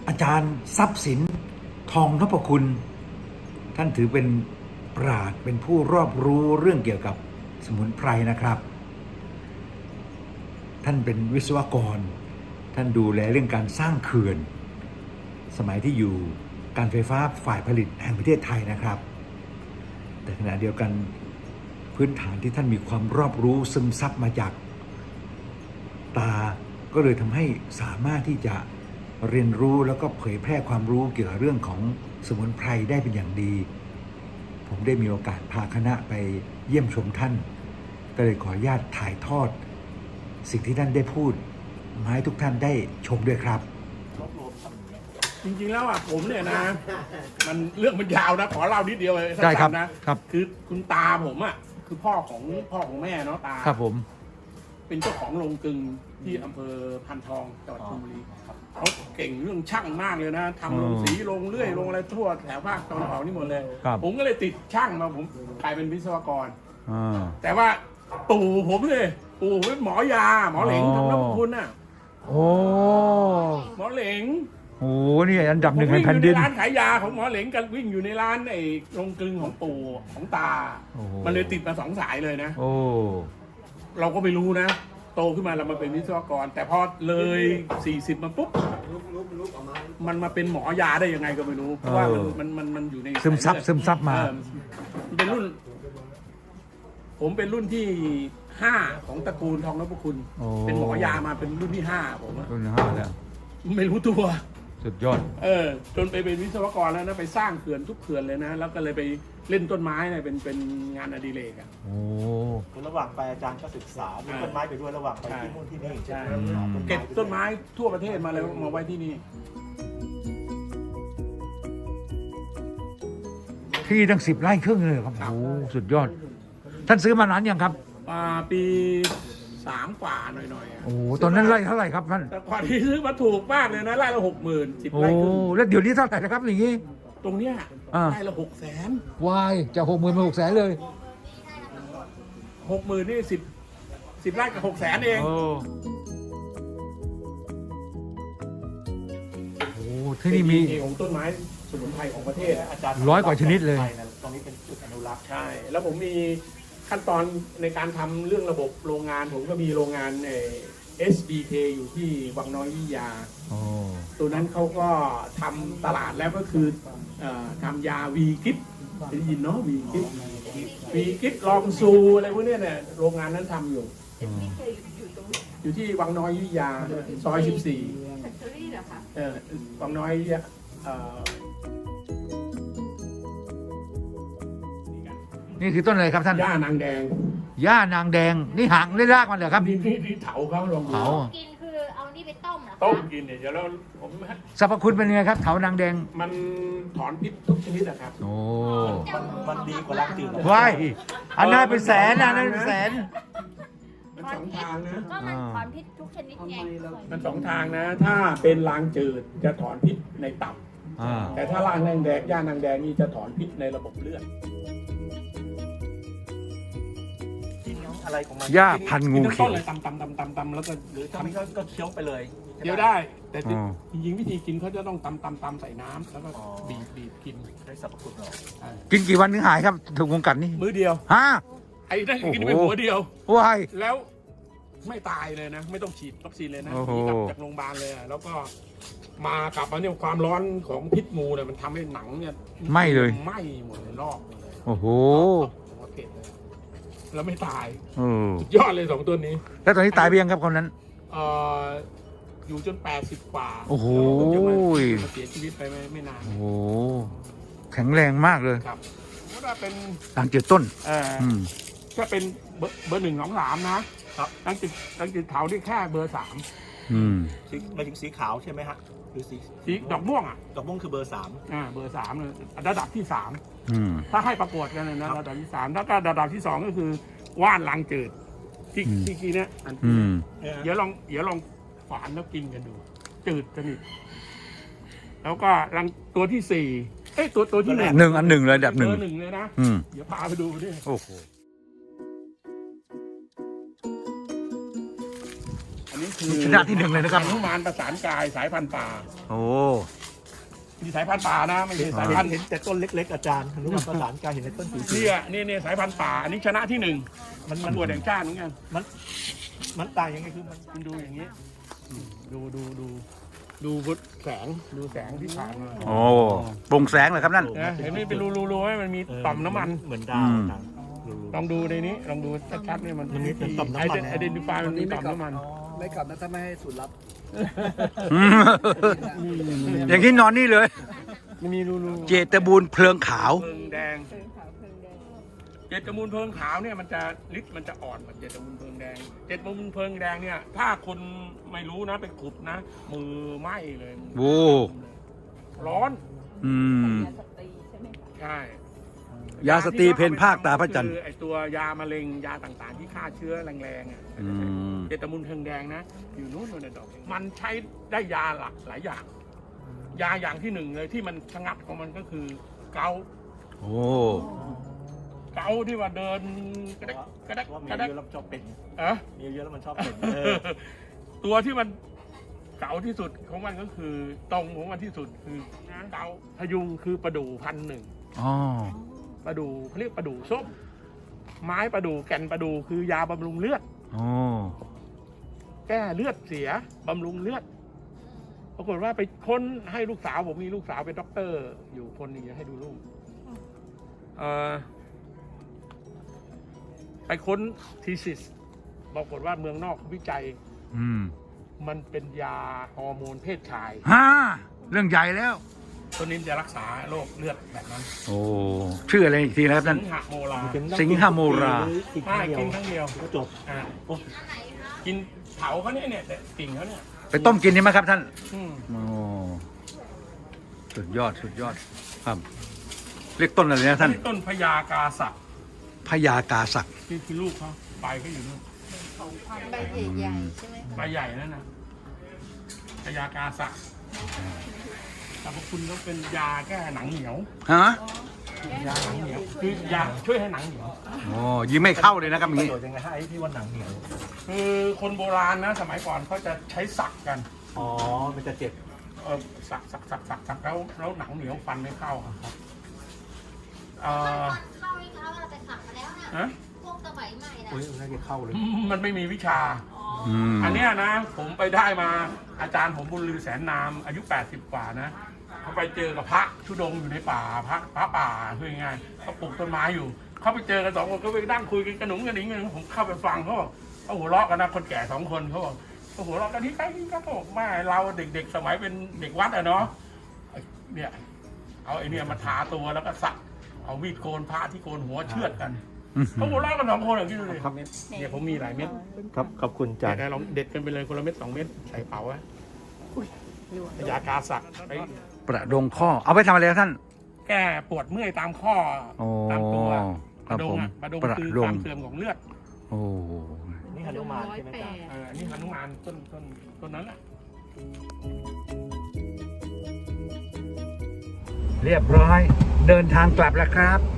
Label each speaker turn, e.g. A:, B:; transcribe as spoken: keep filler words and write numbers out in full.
A: อาจารย์ทรัพย์สินทองนพคุณท่านถือเป็นปราชญ์เป็นผู้รอบรู้เรื่องเกี่ยวกับสมุนไพรนะครับ ท่านเป็นวิศวกรท่านดูแลเรื่องการสร้างเขื่อนสมัยที่อยู่การไฟฟ้าฝ่ายผลิตแห่งประเทศไทยนะครับ แต่ขณะเดียวกันพื้นฐานที่ท่านมีความรอบรู้ซึมซับมาจากตาก็เลยทำให้สามารถที่จะเรียนรู้แล้วก็เผยแพร่ความรู้เกี่ยวกับเรื่องของสมุนไพรได้เป็นอย่างดีผมได้มีโอกาสพาคณะไปเยี่ยมชมท่านก็เลยขออนุญาตถ่ายทอดสิ่งที่ท่านได้พูดมาให้ทุกท่านได้ชมด้วยครับ
B: จริงๆแล้วอ่ะผมเนี่ยนะมันเรื่องมันยาวนะขอเล่านิดเดียวเลยสั้นๆนะครับคือคุณตาผมอ่ะคือพ่อของพ่อของแม่เนาะตา
A: ครับผม
B: เป็นเจ้าของโรงกลึงที่อำเภอพันทองจังหวัดชลบุรีเขาเก่งเรื่องช่างมากเลยนะทำโรงสีโรงเลื่อยโรงอะไรทั่วแถวภาคตะวันออกนี่หมดเลยผมก็เลยติดช่างมาผมกลายเป็นวิศวกรแต่ว่าปู่ผมเลยปู่เป็นหมอยาหมอเหลงทำน้ำคุณน่ะ
A: โอ้
B: หมอเหลง
A: โอ้นี่อันดับหนึ่งในแผ่นดิน
B: ร้านขายยาของหมอเหลงกันวิ่งอยู่ในร้านไอ้โรงกลึงของปู่ของตามันเลยติดมาสองสายเลยนะ
A: โอ้
B: เราก็ไม่รู้นะโตขึ้นมาเรามาเป็นวิศวกรแต่พอเลยสี่สิบมาปุ๊บมันมาเป็นหมอยาได้ยังไงก็ไม่รู้เพราะว่ามันมันมันมันอยู่ใน
A: ซึมซับซึมซับมา
B: เป็นรุ่นผมเป็นรุ่นที่ห้าของตระกูลทองนพคุณเป็นหมอยามาเป็นรุ่นที่ห้าผม
A: รุ่นห้าแล้ว
B: ไม่รู้ตัว
A: สุดยอด
B: เออจนไปเป็นวิศวกรแล้วนะไปสร้างเขื่อนทุกเขื่อนเลยนะแล้วก็เลยไปเล่นต้นไม้เนี่ยเป็นเป็นงานอดิเรกอ่ะ
A: โอ้
C: คือระหว่างไปอาจารย์ก็ศึกษาดูต้นไม้ไปด้วยระหว่างไปที่นู่นที่นี่
B: ใช่เก็บต้นไม้ทั่วประเทศมาเลยมาไว้ที่นี่
A: ที่ตั้งสิบไร่ครึ่งเลยครับโอ้สุดยอดท่านซื้อมานานยังครับ
B: ปีสามกว่าหน่อยๆ
A: โอ้ตอนนั้นไร่เท่าไหร่ครับท่าน
B: แต่ก่อนที่ซื้อมาถูกมากเลยนะไร่ละหกหมื่นสิบไร่ครึ่ง
A: โอ้แล้วเดี๋ยวนี้เท่าไหร่นะครับอย่างนี้
B: ตรงเนี้ยไร่ละหกแสน
A: วายจะหกหมื่นมาหกแสนเลย
B: หกหมื่นนี่สิบสิบไร่กับหกแสนเอง
A: โอ้ที่นี่มี
B: ของต้นไม้สมุนไพรของประเทศ
C: อาจารย์
A: ร้อยกว่าชนิดเลย
C: ตรงนี้เป็นจุดอนุรักษ์
B: ใช่แล้วผมมีขั้นตอนในการทำเรื่องระบบโรงงานผมก็มีโรงงานเอส บี เค อยู่ที่วังน้อยวิทยาตัวนั้นเขาก็ทำตลาดแล้วก็คือทำยาวีกิฟได้ยินเนาะวีกิฟวีกิฟลองซูอะไรพวกนี้เนี่ยโรงงานนั้นทำอยู่อยู่ที่วังน้อยวิทยาซอยสิบสี่เออวังน้อย
A: นี่คือต้นอะไรครับท่าน
B: ย่านางแดง
A: ย่านางแดงนี่หางได้รากมันเหรอครับ
B: นี่นี่เถาเขาลง
A: เถา
D: กินคือเอานี่ไปต้มเหรอ
B: ต้มกินเนี่ยเดี๋ยวเราผม
A: สรรพคุณเป็นยังไงครับเถานางแดง
B: มันถอนพิษทุกชนิดนะครับ
A: โอ้
C: มันมันดีกว่าล้างจืด
A: ว้ายอันนั้นเป็นแสนอันนั้นเป็นแสน
B: มันสองทางนะ
D: ก็มันถอนพิษทุกชนิดไง
B: มันสองทางนะถ้าเป็นล้างจืดจะถอนพิษในตับแต่ถ้าล้างนางแดงย่านางแดงนี่จะถอนพิษในระบบเลือด
C: อะไรของมัน
A: หญ้าพันงูเขียว
B: เลยตำตำตำตำตำแล้วก็
C: หรือถ้าไม่ก็เคี้ยวไปเลย
B: เคี้ยวได้แต่จริงๆวิธีกินเขาจะต้องตำตำตำใส่น้ำแล้วก็บีบบีบกิน
C: ได้สรรพคุณหรอ
A: กินกี่วันถึงหายครับถูกวงกัดนี่
B: มื้อเดียว
A: ฮะ
B: ไอ้ได้กินไปหัวเดียว
A: ว้าย
B: แล้วไม่ตายเลยนะไม่ต้องฉีดวัคซีนเลยนะที่กลับจากโรงพยาบาลเลยแล้วก็มากลับมาเนี่ยความร้อนของพิษงูเนี่ยมันทำให้หนังเนี่ย
A: ไหม้เลย
B: ไหม้หมดเลยลอกเลย
A: โอ้โห
B: แล้วไม่ตาย
A: สุ
B: ดยอดเลยสองตัวนี้
A: แล้วตอนนี้ตายไปยังครับคนนั้น
B: เอ่ออยู่จนแปดสิบกว่า
A: โอ้โห
B: เสียชีวิตไปไม่ไม่นาน
A: โอ้โหแข็งแรงมากเลย
B: ครับถ้าเป็น
A: ต่างจืดต้น
B: เออถ้าเป็นเบอร์เบอร์หนึ่งสองสามนะครับตั้งจุดตั้งจุดเถาที่แค่เบอร์สาม
A: อืม
C: มาถึงสีขาวใช่ไหมฮะคือสี
B: สีดอกม่วงอ่ะ
C: ดอกม่วงคือเบอร์สาม
B: อ่าเบอร์สามเลยระดับที่สามถ้าให้ประกวดกันเลยนะระดับที่สามถ้าก็ระดับที่สองก็คือว่านลางจืดที่ที่กี้เนี้ยอันเดี๋ยวลองเดี๋ยวลองฝานแล้วกินกันดูจืดสนิทแล้วก็รังตัวที่สี่เอ้ยตัวตัวที่หนึ่ง
A: หนึ่งอันหนึ่งเลยแบบหนึ่ง
B: หนึ่งเลยนะเดี๋ยวพาไปดูดิ
A: โอ้โห
B: นี่คือ
A: ชนะที่หนึ่งเลยนะครับ
B: หนุมานประสานกายสายพันธุ์ป่า
A: โอ้
B: มีสายพันธุ์ป่านะไม่ใช่สาย
C: เห็
B: พั
C: น
B: นธุ์
C: เห็นแต่ต้นเล็กๆอาจารย์อนุบาลประสานการเห็นในต้นสี
B: เนี่ยนี่เนี่ยสายพันธุ์ป่า อันนี้ชนะที่หนึ่งมันมันบวชแห่งชาติเหมือนกัน
C: มันมันต่างยังไงคือมัน
B: คุณดูอย่างนี้อืมดูดูดูดูวุฒแสงดูแสงที่ผ่านมา
A: โอ้โปร่งแสงเลยครับนั่น
B: นะเห็นไหมเป็นรูรูรูไหมมันมีต่อมน้ำมัน
C: เหมือนดาวอาจารย์
B: ลองดูในนี้ลองดูชัดๆเนี่ยมัน
C: มันมีเป็นต่อมน้ำมัน
B: ไอเดนติฟายมันมีต่อมน้ำมัน
E: ไม่กลับนะถ้าไม่ให้สูตรลับ
A: อย่างที่นอนนี่เลย
B: มันมีรูรู
A: เจตบูรณ์เพลิงขาว
B: เพลิงแดงเจตมูลเพลิงขาวเนี่ยมันจะฤทธิ์มันจะอ่อนกว่าเจตมูลเพลิงแดงเจตมูลเพลิงแดงเนี่ยถ้าคนไม่รู้นะไปขุดนะ มือไหม้เลย
A: โอ้
B: ร้อน
A: อืม
B: ใช่
A: ยาสตรีเพนภาคตาพระจันทร์
B: คือไอตัวยามะเร็งยาต่างๆ ที่ฆ่าเชื้อแรงๆอ่ะ
A: อืม
B: เจตมูลเพลิงแดงนะอยู่นู้นนู่นนะดอกมันใช้ได้ยาหลากหลายอย่าง ยาอย่างที่หนึ่งเลยที่มันชะงักของมันก็คือเกาต์
A: โอ้
B: เกาต์ที่ว่าเดินกระเดกกระเดก
C: ว่ามี
B: กระเดก
C: เยอะแล้วมันชอบเป็น
B: เอะ
C: มีเยอะแล้วมันชอบเป็นเออ
B: ตัวที่มันเก่าที่สุดของมันก็คือตรงของมันที่สุดคือเก่าพยุงคือประดู่พันหนึ่ง
A: อ๋อ
B: ประดู่เขาเรียกประดู่ส้มไม้ประดู่แก่นประดู่คือยาบำรุงเลือด
A: โอ้
B: แก้เลือดเสียบำรุงเลือดปรากฏว่าไปค้นให้ลูกสาวผมมีลูกสาวเป็นด็อกเตอร์ อยู่คนหนึงให้ดูลูกเอ่อไปค้นทีซิสปรากฏว่าเมืองนอกเขาวิจัย
A: อืม
B: มันเป็นยาฮอร์โมนเพศชาย
A: ฮ่าเรื่องใหญ่แล้ว
B: ตัวนี้จะรักษาโรคเลือดแบบนั้น
A: โอ้ ชื่ออะไรอีกทีนะครับ
B: สิ
A: นั่น
B: งหโมลา
C: เป็นน้ำ
A: สิงหโมรา
C: กิน
B: ใช่
C: ข้าวเดียว
B: กินครั้งเดียว
C: ก็จบ
B: อ่า
C: โอ้
B: กินเผาเขาเนี่ยเนี่ยแต่กิ่งเขาเนี่ย
A: ไปต้มกินนี่ไหมครับท่าน
B: อืม
A: โอ้ สุดยอด สุดยอด ครับ เรียกต้นอะไรนะท่าน
B: นี่ต้นพญากาศักดิ์
A: พญากาศักดิ์
B: ที่คือลูกเขาใบเขาอยู่นู่น
D: ใบใหญ่ๆใช่ไหมคะ
B: ใบใหญ่นั่นนะพญากาศักดิ์สรรพคุณก็เป็นยาแก้หนังเหนียว
A: ฮะ
B: ยาหนังเหนียวคือยาช่วยให้หนังเหนียว
A: โอ้ยิงไม่เข้าเลยนะครับอย่าง
C: ประ
A: นี้
C: โยชน์ยังไงฮะไอ้ที่ว่าหนังเหนียว
B: คือคนโบราณนะสมัยก่อนเขาจะใช้สักกัน
C: อ๋อมันจะเจ็บ
B: เออสักสักสักสักสักแล้วแล้วหนังเหนียวฟันไม่เข้าอะครับเอ่อ
D: เข้านี่เขาเราไปขับมาแล้วนะ
B: ฮะ
D: พวกสมัยใหม่นะ
C: อุ้ยน่าจะเข้าเลย
B: มันไม่มีวิชา
A: อืม
B: อันเนี้ยนะผมไปได้มาอาจารย์ผมบุญลือแสนนามอายุแปดสิบกว่านะเขาไปเจอกับพระธุดงค์อยู่ในป่าพระพระป่าคือยังไงเขาปลูกต้นไม้อยู่เขาไปเจอกันสองคนก็ไปนั่งคุยกันกระหนุงกระหนิงกันผมเข้าไปฟังเขาบอกเขาหัวเราะกันนะคนแก่สองคนเขาบอกเขาหัวเราะกันที่ใกล้ที่ก็บอกแม่เราเด็กๆสมัยเป็นเด็กวัดอะเนาะเนี่ยเอาไอเนี่ยมาทาตัวแล้วก็สักเอามีดโกนพระที่โกนหัวเชือดกันเขาหัวเราะกันสองคนอย่างนี้ดูดิเนี่ยผมมีหลายเม็ด
C: ครับขอบคุณอาจารย์
B: เดี๋ยวลองเด็ดกันไปเลยคนละเม็ดสองเม็ดใส่เป๋าไว้ยากาสักไป
A: ประดงข้อ เอาไปทำอะไรครับท่าน
B: แก้ปวดเมื่อยตามข้อ
A: โอ้
B: ตามตัว
A: ครับ
B: ประดง
A: ผม
B: อะประดง
A: ประ
B: คือ
A: ด
B: ค
A: ง
B: วามเสื่อมของเลือด
A: โอ้
C: นี่ฮนุมานใช่ไหมอาจารย์
B: เอออันนี้หนุมานต้นต้นต้นนั้นแหละ
A: เรียบร้อย เดินทางกลับแล้วครับ